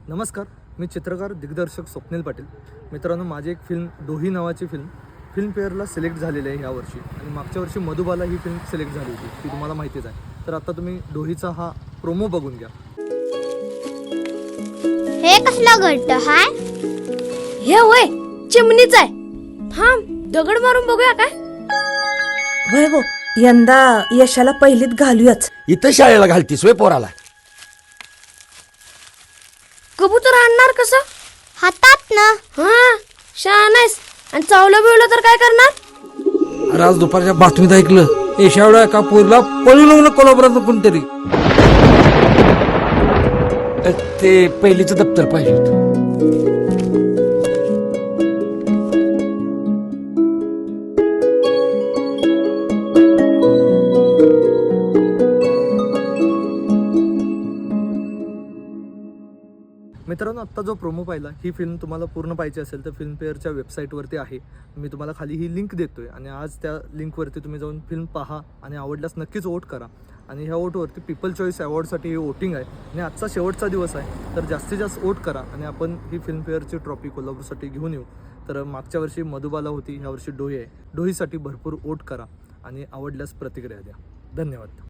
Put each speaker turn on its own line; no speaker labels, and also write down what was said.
नमस्कार, मी चित्रकार दिग्दर्शक स्वप्नील पाटील. मित्रांनो, माझी एक फिल्म डोही नावाची फिल्मफेअरला सिलेक्ट झालेली आहे यावर्षी आणि मागच्या वर्षी मधुबाला ही फिल्म सिलेक्ट झाली होती, ती तुम्हाला माहितीच आहे. तर आता तुम्ही डोहीचा हा प्रोमो बघून घ्या.
हे कसला घट्ट हाय?
हे वय चिमणीच आहे. थांब दगड मारून बघूया काय.
वैभव, यंदा यशाला पहिलीत घालूयाच.
इथं शाळेला घालतीस वे पोराला?
कबूतर आणणार कसं?
हातात ना.
हा शाळा नाहीस आणि चावलं बिवलं तर काय करणार?
अरे आज दुपारच्या बातमीत ऐकलं, एवढ्या एका पोरीला पळून लावलं कोल्हापुरात कोणतरी.
ते पहिलीचं दप्तर पाहिजे होतं.
मित्रांनो, आत्ता जो प्रोमो पाहिला, ही फिल्म तुम्हाला पूर्ण पाहिजे असेल तर फिल्मफेअरच्या वेबसाईटवरती आहे. मी तुम्हाला खाली ही लिंक देतोय आणि आज त्या लिंकवरती तुम्ही जाऊन फिल्म पहा आणि आवडल्यास नक्कीच वोट करा. आणि ह्या वोटवरती पीपल चॉईस अवॉर्डसाठी ही वोटिंग आहे आणि आजचा शेवटचा दिवस आहे. तर जास्तीत जास्त वोट करा आणि आपण ही फिल्मफेअरची ट्रॉफी कोल्हापूरसाठी घेऊन येऊ. तर मागच्या वर्षी मधुबाला होती, ह्या वर्षी डोही आहे. डोहीसाठी भरपूर वोट करा आणि आवडल्यास प्रतिक्रिया द्या. धन्यवाद.